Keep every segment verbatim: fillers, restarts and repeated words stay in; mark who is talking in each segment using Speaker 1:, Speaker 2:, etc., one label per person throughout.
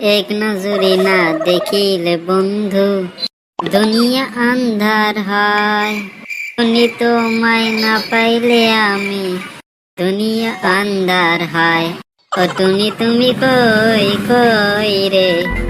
Speaker 1: এক নজরে না দেখিলে বন্ধু দুনিয়া আন্ধার হয়। তুমি তোমায় না পাইলে আমি দুনিয়া আন্ধার হয়। ও তুমি তুমি কই কই রে।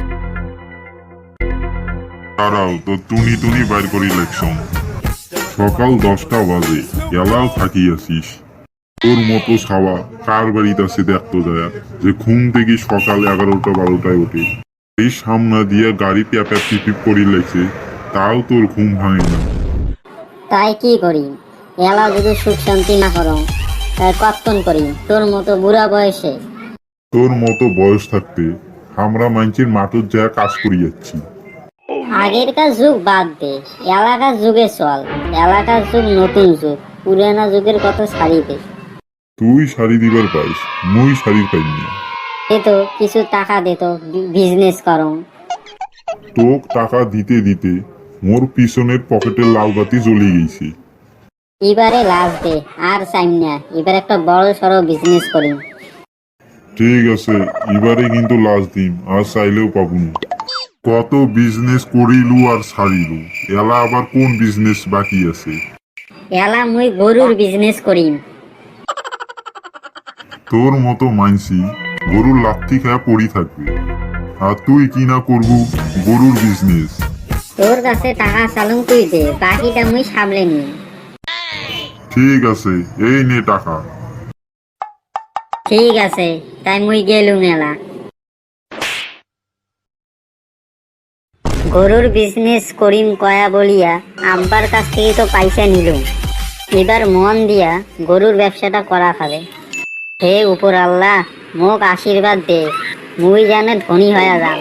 Speaker 2: দাঁড়াও তো টুনি টুনি বাইর করি ইলেকশন। সকাল দশটা বাজে এলাও থাকিয়াছিস। তোর মতো ছাওয়া কার বাড়িতে আছে দেখতো যায় যে ঘুম থেকে সকাল এগারোটা বারোটায় ওঠে। এই সামনা দিয়ে গাড়ি প্যাপা পিপিপ করি লেগছে, তাও তোর ঘুম ভাঙে না।
Speaker 1: তাই কি করি, এলা যদি সুখ শান্তি না করো তাই কর্তন করি তোর মতো বুড়া বয়সে।
Speaker 2: তোর মতো বয়স থাকতে আমরা মাইনছির মাঠের যা কাজ করি যাচ্ছি।
Speaker 1: আগেরকার যুগ বাদ দে, এলাকার যুগে চল। এলাকার যুগ নতুন যুগ, পুরানা যুগের কথা ছাড়ি দে।
Speaker 2: তুই শাড়ি দিবার পাইস, মুই শাড়ি পাইনি।
Speaker 1: দে তো কিছু টাকা দে তো, বিজনেস করো।
Speaker 2: তোক টাকা দিতে দিতে মোর পিছনের পকেটের লাল বাতি জ্বলে গেছে।
Speaker 1: এবারে লাভ দে, আর চাইম না। এবার একটা বড় সড়ো বিজনেস করি।
Speaker 2: ঠিক আছে, এবারে কিন্তু লাস্ট দিন, আর চাইলেও পাবো না। কত বিজনেস করিলু আর ছাড়িলু, এলা আবার কোন বিজনেস বাকি আছে?
Speaker 1: এলা মুই গরুর বিজনেস করিম।
Speaker 2: তোর মতো মানসি গরুর লাথি খায়া পড়ি থাকবে, আর তুই কি না করবু গরুর বিজনেস।
Speaker 1: তোর কাছে টাকা চালুম তুই দে, বাকিটা মুই সামলে নি।
Speaker 2: ঠিক আছে, এই নে টাকা।
Speaker 1: ঠিক আছে, তাই মুই গেলুম এলা। গরুর বিজনেস করিম কয়া বলিয়া আব্বার কাছ থেকে তো পয়সা নিলুম। এবার মন দিয়া গরুর ব্যবসাটা করা খাবে। হে উপর আল্লাহ, মোক আশীর্বাদ দে, মুই জানে ধনী হয়ে যাম।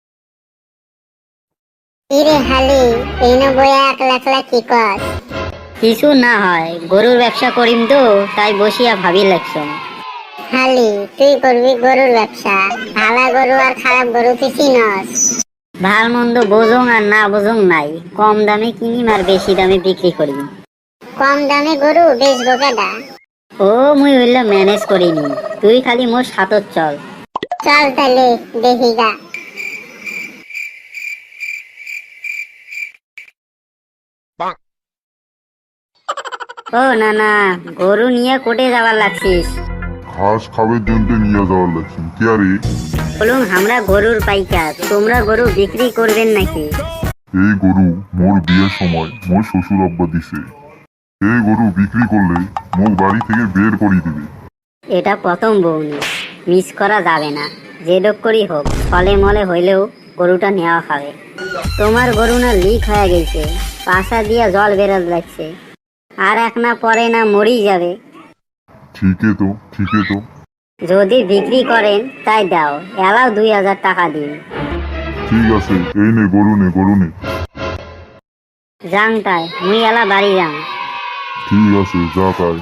Speaker 3: ইরে হালি এই না বইয়া একলা একলা কি কর?
Speaker 1: কিছু না হয়, গরুর ব্যবসা করিম তো তাই বসিয়া ভাবি লাগছো।
Speaker 3: হালি তুই করবি গরুর ব্যবসা? ভালা গরু আর খারাপ গরু তুই চিনস?
Speaker 1: ভাল মন্দ বোঝং আর না বোঝং নাই, কম দামে কিনিম আর বেশি দামে বিক্রি করিম।
Speaker 3: কম দামে গরু বেচবো কেডা?
Speaker 1: ও মুই হইল ম্যানেজ করিনি, তুই খালি মোর সাথত চল।
Speaker 3: চল তাহলে দেখি গা।
Speaker 1: ও না না, গরু নিয়ে কোটে যাবার লাগছিস?
Speaker 2: ঘাস খাবার জন্য নিয়ে যাওয়ার লাগছে কি আরে?
Speaker 1: বলুন আমরা গরুর পাইকার, তোমরা গরু বিক্রি করবেন নাকি?
Speaker 2: এই গরু মোর বিয়ের সময় মোর শ্বশুর আব্বা দিছে। এই গরু বিক্রি করলে মোক বাড়ি থেকে বের করে দিবে।
Speaker 1: এটা প্রথম বউনি, মিস করা যাবে না। যে ডোক করি হোক, ফলে মলে হইলেও গরুটা নেওয়া খাবে। তোমার গরু না লিক হয়ে গেছে, পাশা দিয়া জল বেরোত লাগছে, আর এক না পরে না মরি যাবে।
Speaker 2: ঠিকই তো, ঠিকই তো।
Speaker 1: যদি বিক্রি করেন তাই দাও, এলাও দুই হাজার টাকা দিন।
Speaker 2: ঠিক আছে, এই নে গরু নে, গরু নে।
Speaker 1: যাং তাই, মুই এলা বাড়ি যাং।
Speaker 2: ঠিক আছে, যা তাই।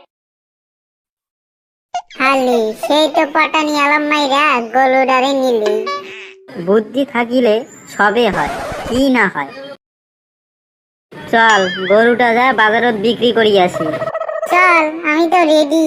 Speaker 3: হালি সেই তো পটানি আলাম মাইরা গরুডারে নিলি।
Speaker 1: বুদ্ধি থাকিলে সবে হয়, কি না হয়। চল গরুটা যা বাজারত বিক্রি করি আসি।
Speaker 3: চল আমি তো রেডি।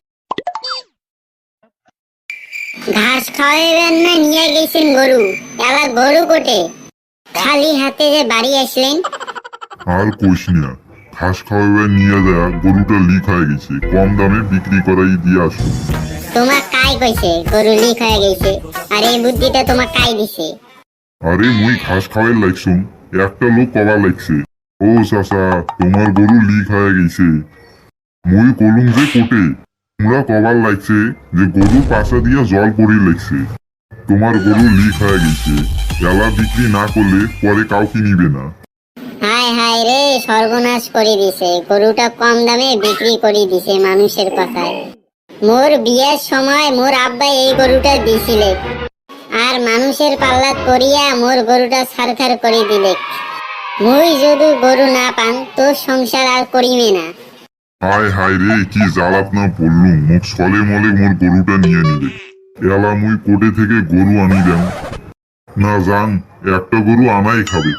Speaker 3: ঘাস খাওয়াইবেন না নিয়ে গেছেন গরু? এলা গরু কোটে? খালি হাতে যে বাড়ি আসলেন।
Speaker 2: আর কইস না, ঘাস খাওয়াবে নিয়ে দেয়া গরুটা লিক হয়ে গেছে, কম দামে বিক্রি করাই দিয়ে আসো।
Speaker 3: তোমার কাই কইছে গরু লিক হয়ে গেছে? আর এই বুদ্ধিটা তোমার কাই দিছে?
Speaker 2: আরে মুই ঘাস খাওয়াই লাগছুম, একটা লোক কবা লাগছে, ও চাচা তোমার গরু লিক হয়ে গেছে। মুই কলুম যে কোটে, তোমরা কবার লাগছে যে গরু পাশা দিয়া জল পড়ি লাগছে। তোমার গরু লিক হয়ে গেছে, এলা বিক্রি না করলে পরে কাউকে নিবে না।
Speaker 3: হায় হায় রে, সর্বনাশ করে দিছে। গরুটা কম দামে বিক্রি করে দিছে মানুষের কথায়। মোর বিয়ের সময় মোর আব্বা এই গরুটা দিছিলে, আর মানুষের পাল্লাত পড়িয়া মোর গরুটা ছারখার করে দিলে। মুই যদি গরু না পান তোর সংসার আর করিবে না।
Speaker 2: হায় হায় রে, কি জ্বালাত না পড়লুম, মুখ ছলে মলে মোর গরুটা নিয়ে নিলে। এলা মুই কোটে থেকে গরু আনি দেন না, যান একটা গরু আনাই খাবে।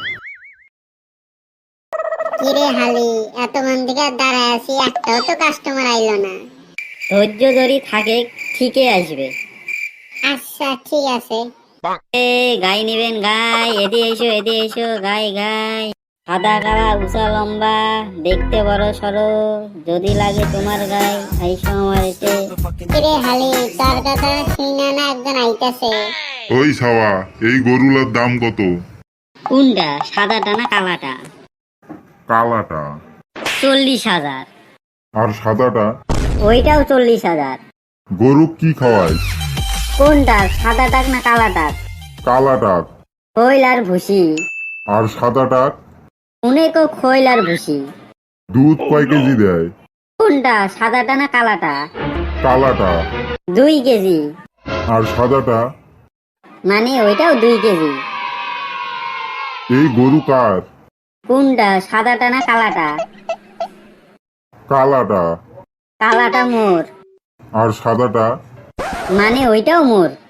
Speaker 3: কিরে হালি এতক্ষণ থেকে দাঁড়ায় আছি, একটাও তো কাস্টমার আইলো না।
Speaker 1: ধৈর্য ধরি থাকে, ঠিকই আসবে।
Speaker 3: আচ্ছা ঠিক আছে,
Speaker 1: এ গাই নিবেন গাই, এদি এসো এদি এসো, গাই গাই। সাদা কালা উঁচা লম্বা, দেখতে বড় সড়ো, যদি লাগে তোমার গাই, আইসো আমার এতে।
Speaker 3: কিরে হালি, তোর কথা শুইনা না একজন আইতাছে।
Speaker 2: ওই সাওয়া, এই গরুলার দাম কত?
Speaker 1: কোনটা, সাদাটা না কালাটা?
Speaker 2: কালাটা।
Speaker 1: চল্লিশ হাজার।
Speaker 2: আর সাদাটা?
Speaker 1: ওইটাও চল্লিশ হাজার।
Speaker 2: গরু কি খাওয়ায়?
Speaker 1: কোনটা, সাদাটাক না কালাটাক?
Speaker 2: কালাটা।
Speaker 1: খৈল আর ভুসি।
Speaker 2: আর সাদাটা?
Speaker 1: অনেকও খৈল আর ভুসি।
Speaker 2: দুধ কয় কেজি দেয়?
Speaker 1: কোনটা, সাদাটা না কালাটা?
Speaker 2: কালাটা।
Speaker 1: দুই কেজি।
Speaker 2: আর সাদাটা?
Speaker 1: মানে ওইটাও দুই কেজি।
Speaker 2: এই গরু কার?
Speaker 1: কোনটা, সাদাটা না কালাটা?
Speaker 2: কালাটা।
Speaker 1: কালাটা মোর।
Speaker 2: আর সাদাটা?
Speaker 1: মানে ওইটাও মোর।